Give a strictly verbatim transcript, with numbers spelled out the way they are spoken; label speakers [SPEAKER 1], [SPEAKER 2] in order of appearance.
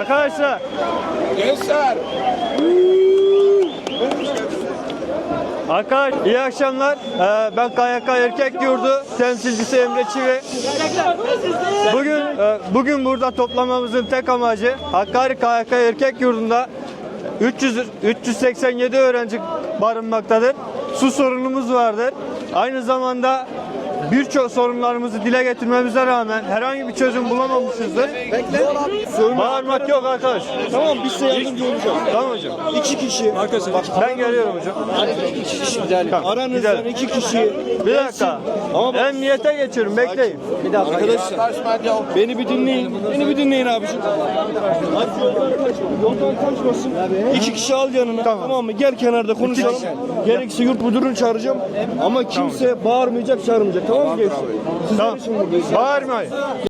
[SPEAKER 1] Arkadaşlar.
[SPEAKER 2] Gençler.
[SPEAKER 1] Arkadaş iyi akşamlar. Ee, ben K Y K Erkek Yurdu temsilcisi Emre Çivi. Bugün e, bugün burada toplamamızın tek amacı Hakkari K Y K Erkek Yurdu'nda üç yüz üç yüz seksen yedi öğrenci barınmaktadır. Su sorunumuz vardır. Aynı zamanda birçok sorunlarımızı dile getirmemize rağmen herhangi bir çözüm bulamamışızdır. Bağırmak yok arkadaş.
[SPEAKER 3] Tamam, biz size yardımcı olacağız.
[SPEAKER 1] Tamam hocam.
[SPEAKER 3] İki kişi. Arkadaşlar bak,
[SPEAKER 1] Ben geliyorum hocam.
[SPEAKER 3] iki kişi gidelim.
[SPEAKER 1] Tamam,
[SPEAKER 3] Aranızdan
[SPEAKER 1] gidelim.
[SPEAKER 3] iki kişi.
[SPEAKER 1] Bir dakika.
[SPEAKER 3] Ama bak-
[SPEAKER 1] Emniyete geçiyorum. Bekleyin.
[SPEAKER 3] Arkadaşlar beni bir dinleyin. Beni bir dinleyin abiciğim. Hadi yoldan kaçma. Yoldan kaçmasın. İki kişi al yanına.
[SPEAKER 1] Tamam.
[SPEAKER 3] Tamam, mı? Gel kenarda konuşalım. Gerekirse yurt müdürünü çağıracağım. Ama kimse bağırmayacak, çağırmayacak. Tamam mı gençler? Sizler
[SPEAKER 1] Tamam.
[SPEAKER 3] için buradayız.
[SPEAKER 1] Bağırmayın.